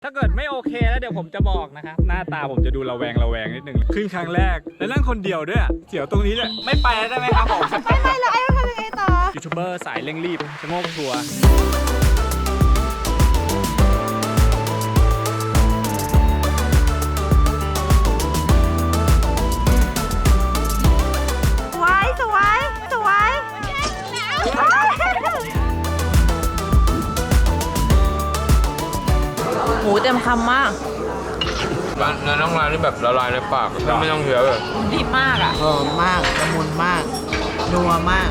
ถ้าเกิดไม่โอเคแล้วเดี๋ยวผมจะบอกนะครับหน้าตาผมจะดูระแวงนิดนึงขึ้นครั้งแรกแล้วนั่งคนเดียวด้วยเสียวตรงนี้เลยไม่ไปได้ไหมครับผมไม่แล้วไอ้ทำยังไงต่อยูทูบเบอร์สายเร่งรีบชะโงกทัวร์หมูเต็มคำมากเนื้อน่องลายนี่แบบละลายในปากไม่ต้องเคี้ยวเลยดีมากอ่ะหอมมากละมุนมากนัวมาก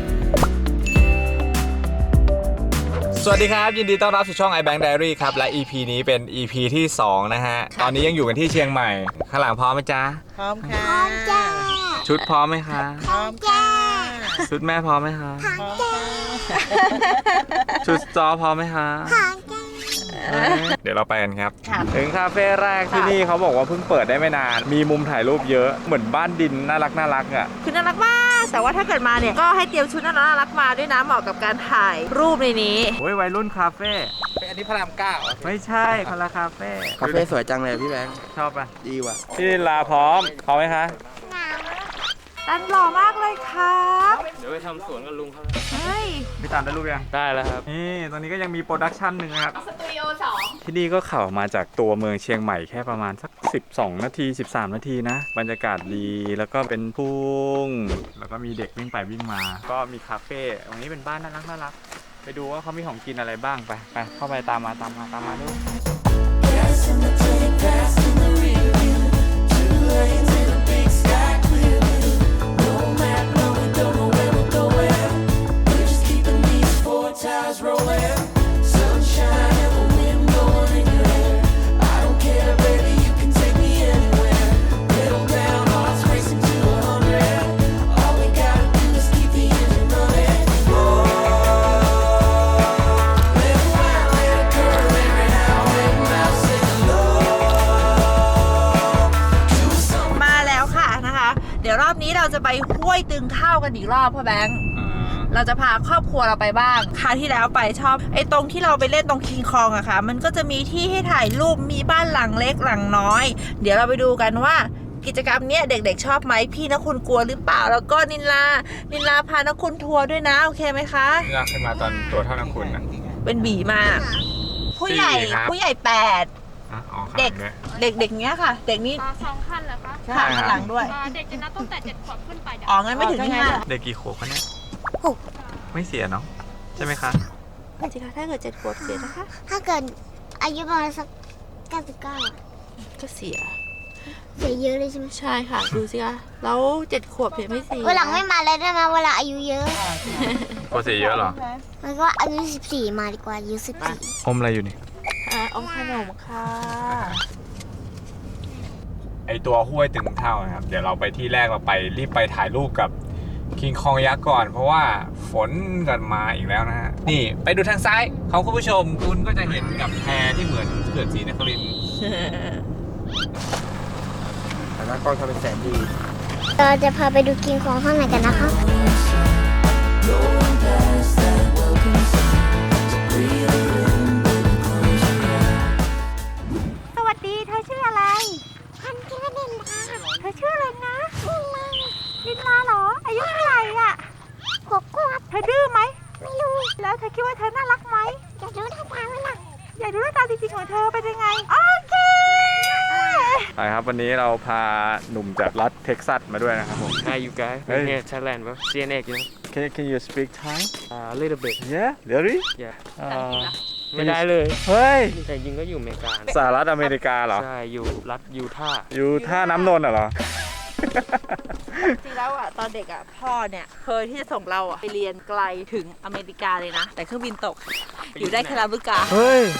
สวัสดีครับยินดีต้อนรับสู่ช่อง iBank Diary ครับและ EP นี้เป็น EP ที่2นะฮะตอนนี้ยังอยู่กันที่เชียงใหม่ข้างหลังพร้อมไหมจ๊ะพร้อมค่ะพร้อมจ้าชุดพร้อมไหมคะพร้อมจ้าชุดแม่พร้อมไหมคะพร้อมจ้าชุดจอพร้อมไหมคะพร้อมจ้าเดี๋ยวเราไปกันครับถึงคาเฟ่แรกที่นี่เขาบอกว่าเพิ่งเปิดได้ไม่นานมีมุมถ่ายรูปเยอะเหมือนบ้านดินน่ารักอ่ะคือน่ารักมากแต่ว่าถ้าเกิดมาเนี่ยก็ให้เตรียมชุดน่ารักมาด้วยนะเหมาะกับการถ่ายรูปในนี้โอ้ยวัยรุ่นคาเฟ่อันนี้พระรามเก้าไม่ใช่คนละคาเฟ่คาเฟ่สวยจังเลยพี่แบงค์ชอบป่ะดีว่ะพี่ลาพร้อมไหมคะตันหล่อมากเลยครับเดี๋ยวไปทำสวนกับลุงเขาเฮ้ยพี่ตามได้รูปยังได้แล้วครับนี่ตอนนี้ก็ยังมีโปรดักชันหนึ่งครับสตูดิโอ2ที่นี่ก็เข้ามาจากตัวเมืองเชียงใหม่แค่ประมาณสัก12 นาที 13 นาทีนะบรรยากาศดีแล้วก็เป็นทุ่งแล้วก็มีเด็กวิ่งไปวิ่งมาก็มีคาเฟ่ตรงนี้เป็นบ้านน่ารักไปดูว่าเขามีของกินอะไรบ้างไปเข้าไปตามมาดูเดี๋ยวรอบนี้เราจะไปห้วยตึงเท่ากันอีกรอบพ่อแบงค์เราจะพาครอบครัวเราไปบ้างคราวที่แล้วไปชอบไอ้ตรงที่เราไปเล่นตรงคิงคองอะค่ะมันก็จะมีที่ให้ถ่ายรูปมีบ้านหลังเล็กหลังน้อยเดี๋ยวเราไปดูกันว่ากิจกรรมเนี้ยเด็กๆชอบไหมพี่นะคุณกลัวหรือเปล่าแล้วก็นินลาพานะคุณทัวร์ด้วยนะโอเคไหมคะนินลาเคยมาตอนตัวเท่านักคุณนะเป็นบีมากผู้ใหญ่8เด็กเนี้ยค่ะเด็กนี้ 2 คันเหรอคะค่ะข้างหลังด้วยเด็กจะนับตั้งแต่7 ขวบขึ้นไปอ๋องั้นไม่ถึง5 เด็กกี่ขวบคะเนี่ยไม่เสียเนาะใช่ไหมคะจริงๆถ้าเกิด7 ขวบเสียนะคะถ้าเกิดอายุประมาณสัก99 ก็เสียเยอะเลยใช่ไหมใช่ค่ะดูสิคะแล้ว7 ขวบเสียไม่เสียวันหลังไม่มาเลยได้ไหมเวลาอายุเยอะก็เสียเยอะหรอมันก็อายุ14มาดีกว่าอายุ14 อมอะไรอยู่นี่อมขนมค่ะไอตัวห้วยตึงเท่านะครับเดี๋ยวเราไปที่แรกเราไปรีบไปถ่ายรูปกับคิงคองยักษ์ก่อนเพราะว่าฝนกันมาอีกแล้วนะฮะนี่ไปดูทางซ้ายของคุณผู้ชมคุณก็จะเห็นกับแพที่เหมือนเขื่อนศรีนครินทร์แต่หน้ากล้องทำเป็นแสนดีเราจะพาไปดูกินของข้างในกันนะคะสวัสดีเธอชื่ออะไรฉันชื่อนินลาเธอชื่ออะไรนะนินลาเหรออายุเท่าไหร่อ่ะ6 ขวบเธอดื้อไหมไม่รู้แล้วเธอคิดว่าเธอน่ารักไหมอยากรู้หน้าตาไหมล่ะอยากรู้หน้าตาจริงๆของเธอเป็นยังไงโอเคไปครับวันนี้เราพาหนุ่มจากรัฐเท็กซัสมาด้วยนะครับผม Hi you guys Hey. here Thailand bro CNX you know Can you speak Thai a little bit Yeah really yeah ไม่ไม่ได้เลยเฮ้ยแต่จริงก็อยู่อเมริกานะสหรัฐอเมริกาเหรอใช่อยู่รัฐยูทาห์อยู่ท่าน้ำนนท์เหรอจริงแล้วอ่ะตอนเด็กอ่ะพ่อเนี่ยเคยที่จะส่งเราอ่ะไปเรียนไกลถึงอเมริกาเลยนะแต่เครื่องบินตกอยู่ได้แค่ลาบุกาเฮ้ย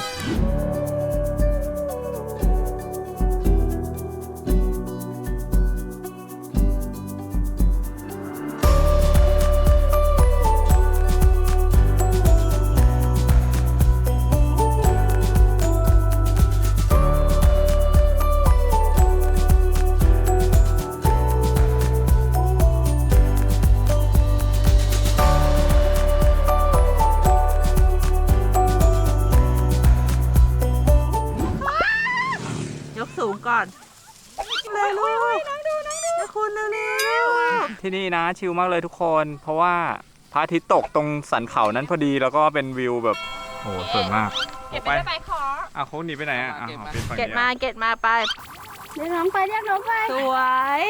งก่อนเลยลูกน้องดูคุณเร็วที่นี่นะชิลมากเลยทุกคน เพราะว่าพระอาทิตย์ตกตรงสันเขานั้นพอดีแล้วก็เป็นวิวแบบโอ้สวยมากเก็บไปได้ไปขออ่ะเขาหนีไปไหนอ่ะเป็นฝั่งเก็นี้บมาไปเรียกน้องไปเรียกน้องไปสวย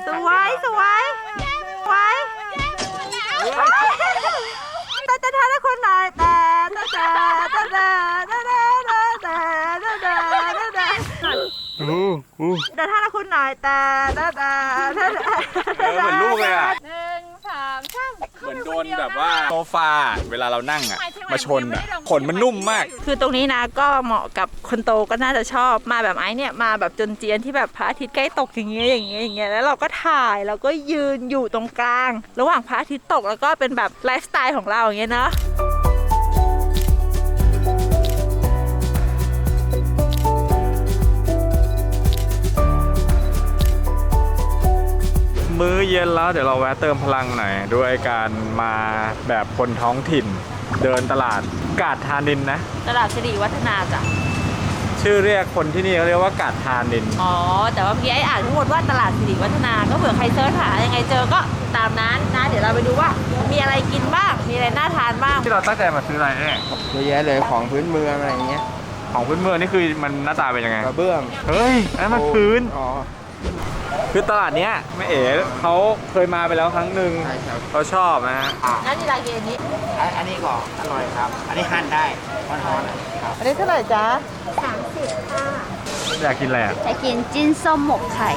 แต่ท่าละคุณหน่อยแต่ท่าละคุณหน่อยแต่เหมือนลูกเลยอ่ะ 1 2 3 เหมือนโดนแบบว่าโซฟาเวลาเรานั่งอ่ะมาชนอ่ะขนมันนุ่มมากคือตรงนี้นะก็เหมาะกับคนโตก็น่าจะชอบมาแบบไอ้เนี่ยมาแบบจนเจียนที่แบบพระอาทิตย์ใกล้ตกอย่างเงี้ยแล้วเราก็ถ่ายแล้วก็ยืนอยู่ตรงกลาง ระหว่างพระอาทิตย์ตกแล้วก็เป็นแบบไลฟ์สไตล์ของเราอย่างเงี้ยเนาะมื้อเย็นแล้วเดี๋ยวเราแวะเติมพลังหน่อยด้วยการมาแบบคนท้องถิ่น เดินตลาดกาดธานินนะตลาดสิริวัฒนาจ้ะชื่อเรียกคนที่นี่เขาเรียกว่ากาดธานินอ๋อแต่ว่าเมื่อกี้ไอ้อ่านทั้งหมดว่าตลาดสิริวัฒนาก็เผื่อใครเซิร์ชหายังไงเจอก็ตามนั้นนะเดี๋ยวเราไปดูว่ามีอะไรกินบ้างมีอะไรน่าทานบ้างที่เราตั้งใจมาซื้ออะไรเอ๊ะเยอะแยะเลยของพื้นเมืองอะไรอย่างเงี้ยของพื้นเมืองนี่คือมันหน้าตาเป็นยังไงกระเบื้องเฮ้ยอันนั้นมันพื้นอ๋อคือตลาดเนี้ยแม่เอ๋เขาเคยมาไปแล้วครั้งหนึ่งใช่ครับเขาชอบนะฮะนั่นนี่ราเกนี้อันนี้ก็อร่อยครับ อันนี้หั่นได้ร้อนๆครับอันนี้เท่าไหร่จ๊ะ 30 ค่ะอยากกินอะไรอ่ะจะกินจิ้นส้มหมกไข่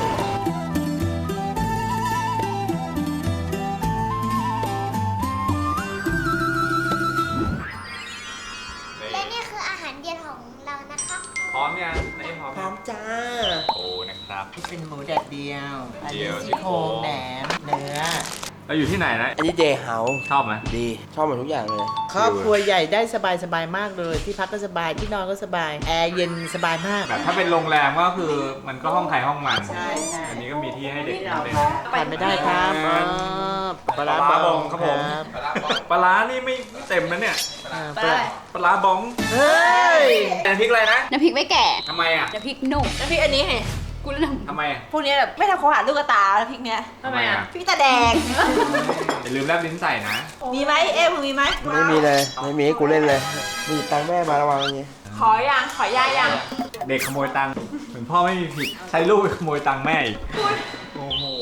และนี่คืออาหารเย็นของเรานะคะพร้อมยังไหนพร้อมพร้อมจ้าโอ้นะครับที่เป็นหมูแดดเดียว อันเดีนี้ยวซี่โครงแหนมเนื้อเราอยู่ที่ไหนนะอันนี้เดย์เฮาส์ชอบไหมดี ชอบหมดทุกอย่างเลยครอบครัวใหญ่ได้สบายๆมากเลย ที่พักก็สบายที่นอนก็สบาย แอร์เย็นสบายมากแบบถ้าเป็นโรงแรมก็คือมันก็ห้องใครห้องมันใช่ใช่อันนี้ก็มีที่ให้เด็กนั่งเล่นไปไม่ได้ครับปลาร้าปลาร้าบบ ออง งครับผม ปลาร้านี่ไม่เต็มนะเนี่ยปลาปลาร้าบองเฮ้ยแต่พริกอะไรนะน้ำพริกไม่แก่ทำไมอ่ะน้ำพริกหนุ่มน้ำพริกอันนี้ไงกูเลือกทำไมอ่ะพวกนี้แบบไม่ทำโคหาลูกกระตาน้ำพริกเนี้ยทำไมอ่ะพริกตาแดงอย่าลืมแลบลิ้นใส่นะมีไหมเอ๊ะมึงมีไหมไม่มีเลย ไม่มีให้กูเล่นเลยมีตังค์แม่มาระวังอย่างงี้ขอยายังเด็กขโมยตังค์เหมือนพ่อไม่มีผิด ใช้ลูกไปขโมยตังค์แม่อีก โอ้โห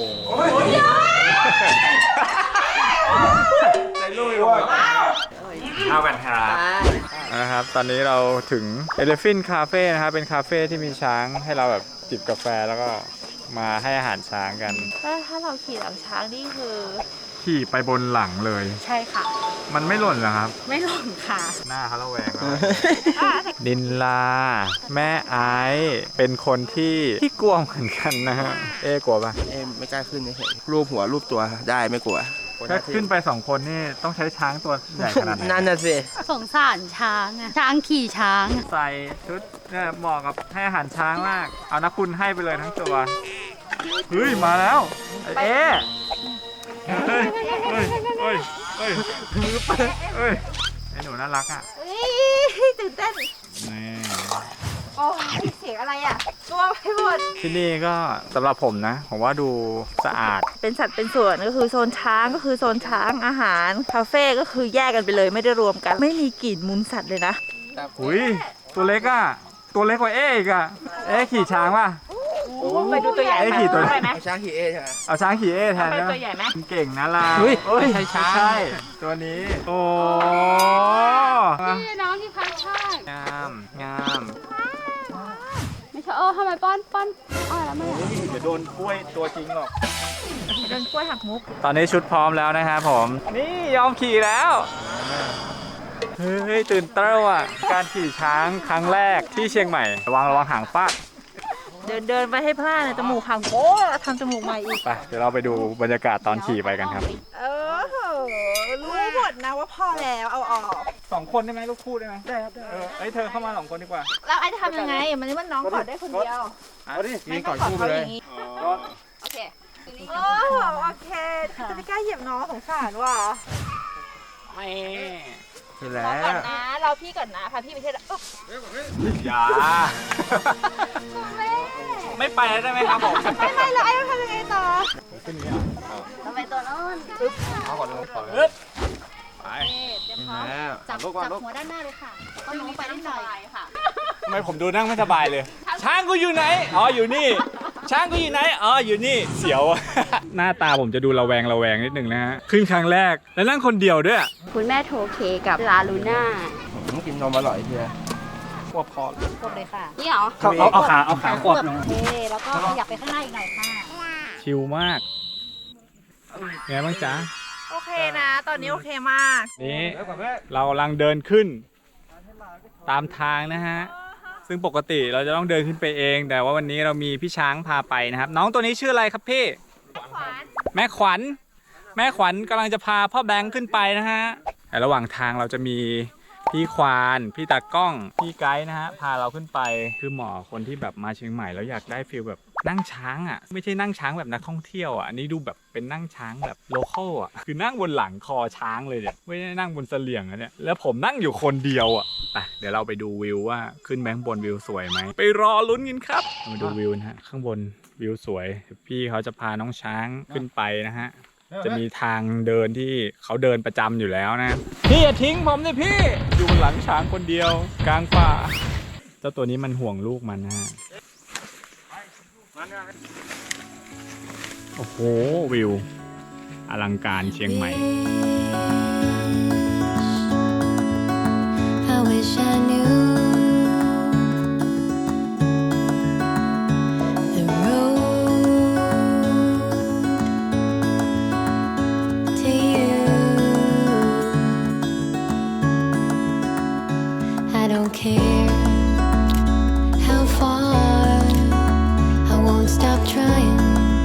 ใช้ลูกไปขโมยตังค์เอากันครับนะครับ ตอนนี้เราถึง Elephant Cafe นะครับ เป็นคาเฟ่ที่มีช้างให้เราแบบจิบกาแฟแล้วก็มาให้อาหารช้างกันถ้าเราขี่หลังช้างนี่คือขี่ไปบนหลังเลยใช่ค่ะมันไม่หล่นเหรอครับไม่หล่นค่ะหน้าเขาระแวงแล้ว นินลา แม่ไอซ์เป็นคนที่กลัวเหมือนกันนะฮะ เอ๊ะกลัวปะไม่กล้าขึ้นเฉยรูปหัวรูปตัวได้ไม่กลัวถ้าขึ้นไป2 คนนี่ต้องใช้ช้างตัวใหญ่ขนาดไหนนั่นน่ะสิสงสารช้างอะช้างขี่ช้างอะใส่ชุดเนี่ยเหมาะกับให้อาหารช้างมาก เอานะคุณให้ไปเลยทั้งตัว เฮ้ย มาแล้วไอ้เอ๊ะเฮ้ยเฮ้ยเฮ้ยเฮ้ยเฮ้ยไอ้หนูน่ารักอ่ะตื่นเต้นนี่โอ้ยเสียงอะไรอ่ะ ตัวไปหมดที่นี่ก็สำหรับผมนะ ผมว่าดูสะอาดเป็นสัตว์เป็นส่วนก็คือโซนช้างก็คือโซนช้างอาหารคาเฟ่ก็คือแยกกันไปเลยไม่ได้รวมกัน ไม่มีกลิ่นมูลสัตว์เลยนะอุ้ยตัวเล็กอ่ะ ตัวเล็กกว่าเอ๊ะอีกอ่ะ เอ๊ะขี่ช้างป่ะไปดูตัวใหญ่ไอ้ขี่ตัวไปไหมเอาช้างขี่เอใช่ไหมเอาช้างขี่เอ๊ะแทนไปนะตัวใหญ่ไหมเก่งนะล่ะเฮ้ยเอ้ยไม่ใช่ช้างใช่ตัวนี้ โอ้นี่น้องที่พักใช่งามงามไม่ใช่ทำไมป้อนอ้อยแล้วไม่เดี๋ยวโดนกล้วยตัวจริงหรอกเดินกล้วยหักมุกตอนนี้ชุดพร้อมแล้วนะครับผม นี่ยอมขี่แล้ว เฮ้ย ตื่นเต้นอ่ะ การขี่ช้างครั้งแรกที่เชียงใหม่ ระวังหางฟาดเดินไปให้พลาดเนี่ยจมูกหักโอ้ทำจมูกใหม่อีกไป เดี๋ยวเราไปดูบรรยากาศตอนขี่ไปกันครับรู้หมดนะว่าพอแล้วเอาออก 2 คนได้ไหมลูกคู่ได้ไหมได้ครับได้เธอเข้ามา2 คนดีกว่าแล้วไอ้จะทำยังไงมันนี่มันน้องกอดได้คนเดียวยิงก่อนคู่ไปเลยโอเคโอ้โอเคจะไม่กล้าเหยียบน้องสงสารว่ะคือรแล้อก่อนวนะเราพี่ก่อนนะพาพี่ไปเที่ยวอย่าไปแล้วได้ไหมครับผมไม่แล้วไอ้ต้องทำยังไงต่อเราไปตัวโน้นเอาก่อนเลยไปเตรียมพร้อมจับหัวด้านหน้าเลยค่ะก็ลงไปนิดหน่อยทำไมผมดูนั่งไม่สบายเลย ช้างกูอยู่ไหนอ๋ออยู่นี่ ช้างกูอยู่ไหนอ๋ออยู่นี่เสียว หน้าตาผมจะดูระแวงนิดนึงนะฮะขึ้นครั้งแรกแล้วนั่งคนเดียวด้วยคุณแม่โทเคกับลาลูน่ากินนมอร่อยเชียวกวบคอกดเลยค่ะ นี่เหรอเอาขาขวบโอเคแล้วก็ขยับไปข้างหน้าอีกหน่อยค่ะชิลมากไงบ้างจ๊ะโอเคนะ ตอนนี้โอเคมากนี่เรากำลังเดินขึ้น ตามทางนะฮะซึ่งปกติเราจะต้องเดินขึ้นไปเอง แต่ว่าวันนี้เรามีพี่ช้างพาไปนะครับ น้องตัวนี้ชื่ออะไรครับพี่แม่ขวัญแม่ขวัญกำลังจะพาพ่อแบงค์ขึ้นไปนะฮะแต่ระหว่างทางเราจะมีพี่ควานพี่ตากล้องพี่ไกด์นะฮะพาเราขึ้นไปคือหมอคนที่แบบมาเชียงใหม่แล้วอยากได้ฟีลแบบนั่งช้างอ่ะไม่ใช่นั่งช้างแบบนักท่องเที่ยวอ่ะอันนี้ดูแบบเป็นนั่งช้างแบบโลคอลอ่ะคือนั่งบนหลังคอช้างเลยเนี่ยไม่ได้นั่งบนเสลี่ยงอ่ะเนี่ยแล้วผมนั่งอยู่คนเดียวอ่ะไปเดี๋ยวเราไปดูวิวว่าขึ้นแบงค์บนวิวสวยไหมไปรอลุ้นกันครับมาดูวิวนะฮะข้างบนวิวสวยพี่เขาจะพาน้องช้างขึ้นไปนะฮะจะมีทางเดินที่เขาเดินประจำอยู่แล้วนะพี่อย่าทิ้งผมเลยพี่อยู่บนหลังช้างคนเดียวกลางป่าเจ้าตัวนี้มันห่วงลูกมันนะฮะโอ้โหวิวอลังการเชียงใหม่ I wish I knew the road to you. I don't care how far, I won't stop trying.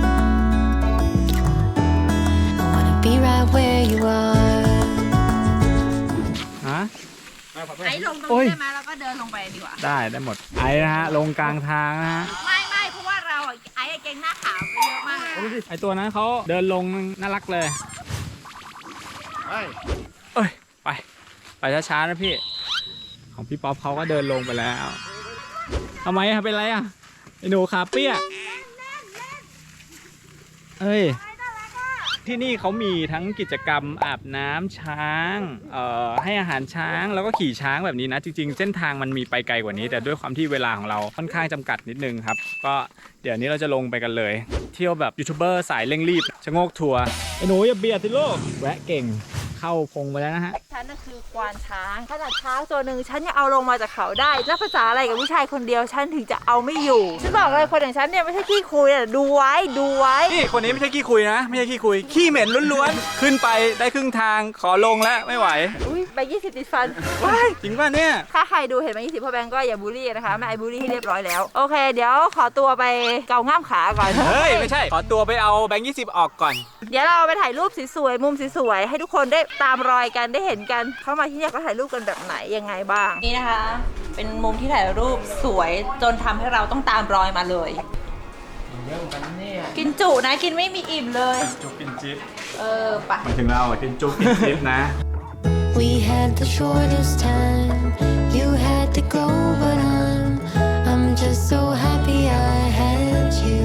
I wanna be right where you are. ฮะไอ้ลงตรงนี้ได้ไหมแล้วก็เดินลงไปดีกว่าได้หมดไอ้นะฮะลงกลางทางนะฮะไม่เพราะว่าเราอ่ะไอ้เก่งหน้าขาวไปเยอะมากไอ้ตัวนั้นเขาเดินลงน่ารักเลยเอ้ยไปช้าๆนะพี่ของพี่ป๊อปเขาก็เดินลงไปแล้วทำไมอะเป็นไรอะไอ้หนูขาเปี้ยเอ้ยที่นี่เขามีทั้งกิจกรรมอาบน้ำช้างให้อาหารช้างแล้วก็ขี่ช้างแบบนี้นะจริงๆเส้นทางมันมีไปไกลกว่านี้แต่ด้วยความที่เวลาของเราค่อนข้างจำกัดนิดนึงครับก็เดี๋ยวนี้เราจะลงไปกันเลยเที่ยวแบบยูทูบเบอร์สายเร่งรีบชะโงกทัวร์ไอ้หนูอย่าเบียดสิลูกแวะเก่งเข้าพงไปแล้วนะฮะฉันน่ะคือควานช้างขนาดช้างตัวหนึ่งฉันยังเอาลงมาจากเขาได้แล้วภาษาอะไรกับผู้ชายคนเดียวฉันถึงจะเอาไม่อยู่ฉันบอกเลยคนอย่างฉันเนี่ยไม่ใช่ขี้คุยอ่ะดูไว้นี่คนนี้ไม่ใช่ขี้คุยนะไม่ใช่ขี้คุยขี้เหม็นล้วนๆขึ้นไปได้ครึ่งทางขอลงแล้วไม่ไหวอุ้ยใบ20ติดฟันจริงป่ะเนี่ยถ้าใครดูเห็นใบ20พ่อแบงก์ก็อย่าบูลลี่นะคะแม่ไอบูลลี่ให้เรียบร้อยแล้วโอเคเดี๋ยวขอตัวไปเกาง่ามขาก่อนเฮ้ยไม่ใช่ขอตัวไปเอาแบงค์20ออกก่อนเดี๋ยวเราไปถ่ายรูปสวยๆมุมสวยๆให้ทุกคนได้ตามรอยกันได้เห็นกันเข้ามาที่นี่ก็ถ่ายรูปกันแบบไหนยังไงบ้างนี่นะคะเป็นมุมที่ถ่ายรูปสวยจนทำให้เราต้องตามรอยมาเลยกินจุนะกินไม่มีอิ่มเลยจุกกินจิ๊บไปมาถึงเรากินจุกกินจิ๊บนะ We had the shortest time. You had to go, but I'm just so happy I had you.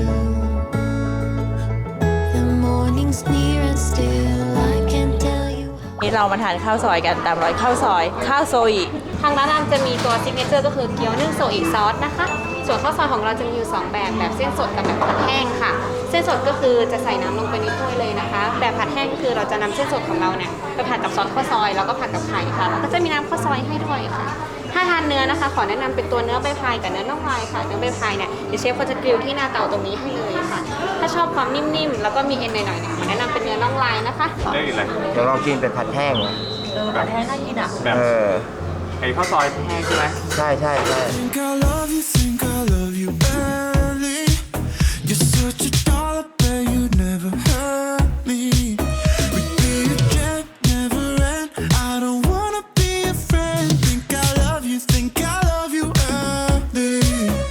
The morning's near and still I can't tell you. นี่เรามาทานข้าวซอยกันตามรอยข้าวซอยข้าวโซอิทางร้านจะมีตัวซิกเนเจอร์ก็คือเกี๊ยวนึ่งโซอิซอสนะคะ ส่วนข้าวซอยของเราจะมีอยู่2แบบเส้นสดกับแบบผัดแห้งค่ะ เส้นสดก็คือจะใส่น้ำลงไปในถ้วยเลยนะคะ แบบผัดแห้งก็คือเราจะนำเส้นสดของเราเนี่ยไปผัดกับซอสข้าวซอยแล้วก็ผัดกับไข่ค่ะแล้วก็จะมีน้ำข้าวซอยให้ด้วยค่ะ ถ้าทานเนื้อนะคะขอแนะนำเป็นตัวเนื้อใบพายกับเนื้อน่องลายค่ะเนื้อใบพายเนี่ยเดี๋ยวเชฟเขาจะกริลที่หน้าเตาตรงนี้ให้เลยค่ะ ถ้าชอบความนิ่มๆแล้วก็มีเอ็นหน่อยๆเนี่ยขอแนะนำเป็นเนื้อน่องลายนะคะได้กินอะไรเดี๋ยวลองกินเป็นผัดแห้งแบบแท้น่ากินอ่ะแบบไอ้ข้าวซอยแห้งใช่ไหมใช่ Think I love you badly. You're such a doll, but you'd never hurt me. We'd be again, never end. I don't wanna be a friend. Think I love you early.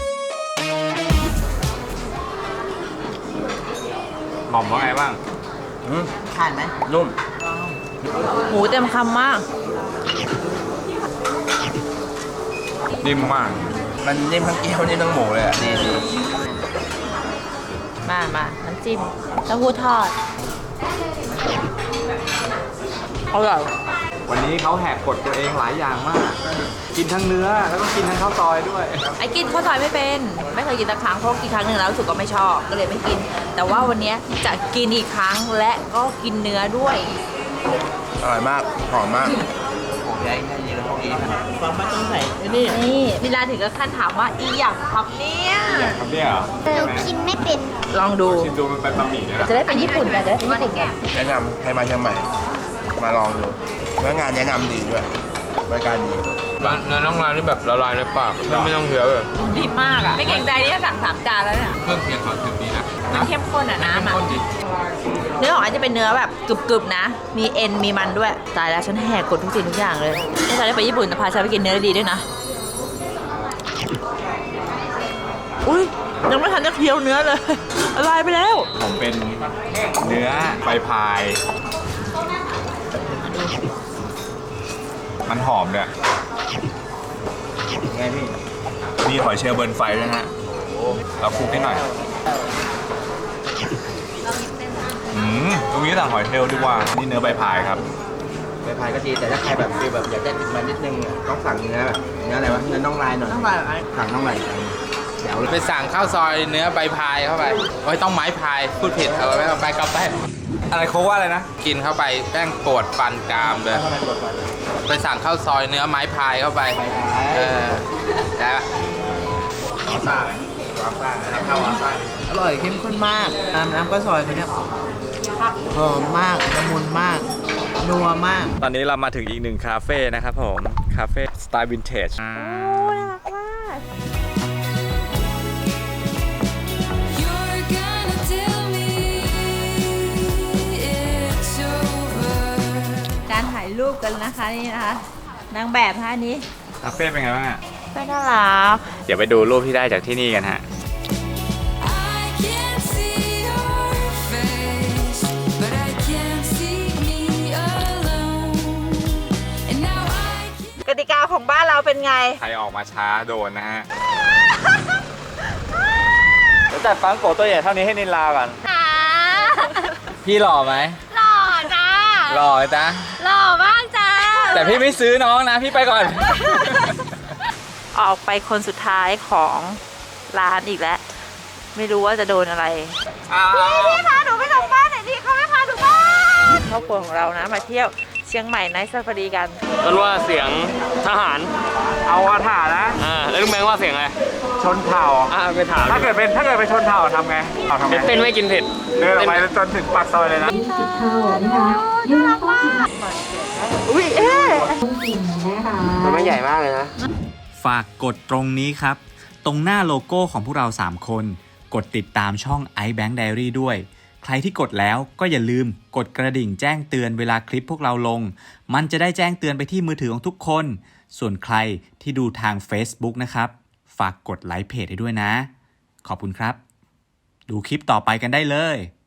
หม่อมว่าไงบ้างทานไหมนุ่มหมูเต็มคำมากนิ่มมากมันนิ่มทั้งเกี๊ยวนิ่มทั้งหมูเลยอ่ะดีมาน้ำจิ้มเต้าหู้ทอดอร่อยวันนี้เขาแหกกฎตัวเองหลายอย่างมาก กินทั้งเนื้อแล้วก็กินทั้งข้าวซอยด้วยไอ้กินข้าวซอยไม่เป็นไม่เคยกินสักครั้งเพราะกินครั้งหนึ่งแล้วรู้สึกก็ไม่ชอบก็เลยไม่กิน แต่ว่าวันนี้จะกินอีกครั้งและก็กินเนื้อด้วยอร่อยมาก หอมมากฟังมาต้องใส่ไอ้นี่นี่นิลาถึงกับขั้นถามว่าอีหยังครับเนี่ยครับเนี่ยเหรอหนูกินไม่เป็นลองดูชิมดูมันเป็นบะหมี่เนี่ยนะจะได้เป็นญี่ปุ่นกันจะได้เป็นญี่ปุ่นกันแนะนำให้มาเชียงใหม่ มาลองดูเนื้องานแนะนำดีด้วยบริการดีเนื้อน้องร้านนี่แบบละลายในปากไม่ต้องเคี้ยวเลยดีมากอ่ะไม่เกรงใจที่จะสั่ง3 จานแล้วเนี่ยเครื่องเคียงเขาถึงดีนะมันเข้มข้นอ่ะน้ำอ่ะข้นดีเนื้อของอันจะเป็นเนื้อแบบกรึบๆนะ มีเอ็นมีมันด้วยตายแล้วฉันแหกกฎทุกสิ่งทุกอย่างเลยถ้าฉันได้ไปญี่ปุ่นจะพาฉันไปกินเนื้อดีด้วยนะอุ้ยยังไม่ทันจะเคี้ยวเนื้อเลยละลายไปแล้วผมเป็นเนื้อใบพาย มันหอมเนี่ยไงพี่มีหอยเชลล์เบิร์นไฟด้วยนะฮะเราคลุกให้หน่อยตรงนี้สั่งหอยเชลล์ดีกว่า นี่เนื้อใบพายครับใบพายก็ดีแต่ถ้าใครแบบฟีลแบบอยากได้ติดมันนิดนึงอะต้องสั่งเนื้อแบบเนื้ออะไรวะเนื้อน่องลายหน่อยต้องลายอะไรสั่งน่องลายเดี๋ยวไปสั่งข้าวซอยเนื้อใบพายเข้าไปโอ้ยต้องไม้พาย พูดผิดเอาไว้ไปกลับไปอะไรโค้กว่าอะไรนะกินเข้าไปแป้งปวดฟันกรามเลยทำไมกดก่อนไปสั่งข้าวซอยเนื้อไม้พายเข้าไป เออได้ปะวาซ่าไหมวาซ่าให้เข้าวาซ่าอร่อยเข้มข้นมากน้ำก็ซอยเขาเนี่ยหอมมากละมุนมาก นัวมากตอนนี้เรามาถึงอีกหนึ่งคาเฟ่นะครับผม คาเฟ่สไตล์วินเทจโอ้น่ารักมาก You're gonna tell me it's over. การถ่ายรูปกันนะคะนี่นะคะนางแบบนะคะอันนี้คาเฟ่เป็นไงบ้างอะเป็นน่ารักเดี๋ยวไปดูรูปที่ได้จากที่นี่กันฮะ I can't see your face, but I can't see me alone. And now I can't. กติกาของบ้านเราเป็นไงใครออกมาช้าโดนนะฮะ เดี๋ยวจัดฟังโกะตัวใหญ่เท่านี้ให้นินลาก่อน พี่หล่อไหมหล่อจ้าหล่อจ้ะหล่อมากจ้าแต่พี่ไม่ซื้อน้องนะ พี่ไปก่อนออกไปคนสุดท้ายของร้านอีกแล้ว ไม่รู้ว่าจะโดนอะไรพี่พาหนูไปส่งบ้านหน่อยดิเขาไม่พาหนูบ้านครอบครัวของเรานะมาเที่ยวเชียงใหม่ไนท์ซาฟารีกันต้นว่าเสียงทหารเอาอาถานะแล้วลุงแบงค์ว่าเสียงอะไรชนเผ่าไปถามถ้าเกิดเป็นชนเผ่าทำไงเอาทำไงเป็นไม่กินเผ็ดเดินออกไปจนถึงปากซอยเลยนะอุ้ยเอ๊ะมันไม่ใหญ่มากเลยนะฝากกดตรงนี้ครับ ตรงหน้าโลโก้ของพวกเรา 3 คน กดติดตามช่อง iBank Diary ด้วย ใครที่กดแล้วก็อย่าลืมกดกระดิ่งแจ้งเตือนเวลาคลิปพวกเราลง มันจะได้แจ้งเตือนไปที่มือถือของทุกคน ส่วนใครที่ดูทาง Facebook นะครับ ฝากกดไลค์เพจให้ด้วยนะ ขอบคุณครับ ดูคลิปต่อไปกันได้เลย